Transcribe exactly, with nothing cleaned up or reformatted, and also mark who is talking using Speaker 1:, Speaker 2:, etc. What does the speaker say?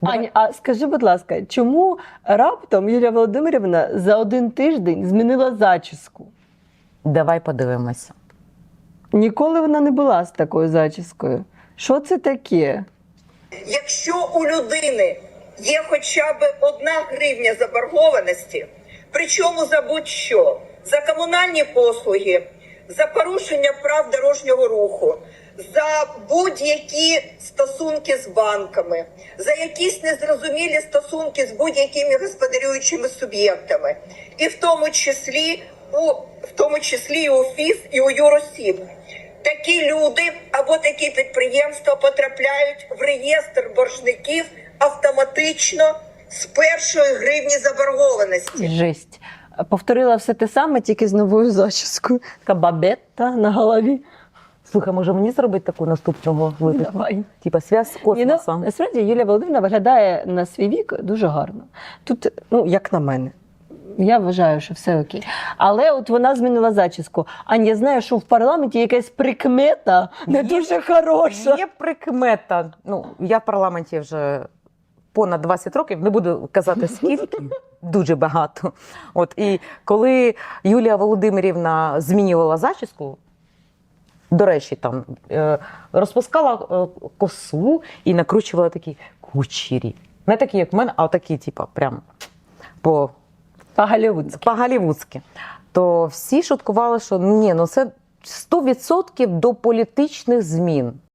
Speaker 1: Аня, а скажи, будь ласка, чому раптом Юлія Володимирівна за один тиждень змінила зачіску?
Speaker 2: Давай подивимося.
Speaker 1: Ніколи вона не була з такою зачіскою. Що це таке?
Speaker 3: Якщо у людини є хоча б одна гривня заборгованості, причому за будь-що, за комунальні послуги, за порушення прав дорожнього руху, за будь-які стосунки з банками, за якісь незрозумілі стосунки з будь-якими господарюючими суб'єктами, і в тому числі у в тому числі і у ФІС, і у юросіб. Такі люди або такі підприємства потрапляють в реєстр боржників автоматично з першої гривні заборгованості.
Speaker 1: Жесть. Повторила все те саме, тільки з новою зачіскою. Така бабетта на голові.
Speaker 2: Слухай, може мені зробити таку наступного випуску?
Speaker 1: Давай.
Speaker 2: Типа зв'яз з
Speaker 1: Ні, ну,
Speaker 2: космосом.
Speaker 1: насправді Юлія Володимирівна виглядає на свій вік дуже гарно. Тут, ну, як на мене. Я вважаю, що все окей. Але от вона змінила зачіску. Аня, я знаю, що в парламенті якась прикмета не
Speaker 2: Є-
Speaker 1: дуже хороша.
Speaker 2: Є прикмета. Ну, я в парламенті вже понад двадцять років, не буду казати скільки, дуже багато. От, і коли Юлія Володимирівна змінювала зачіску, до речі, там е, розпускала е, косу і накручувала такі кучері. Не такі, як в мене, а такі, типу, прям по,
Speaker 1: По-голлівудськи.
Speaker 2: по-голлівудськи. То всі шуткували, що ні, ну це сто відсотків до політичних змін.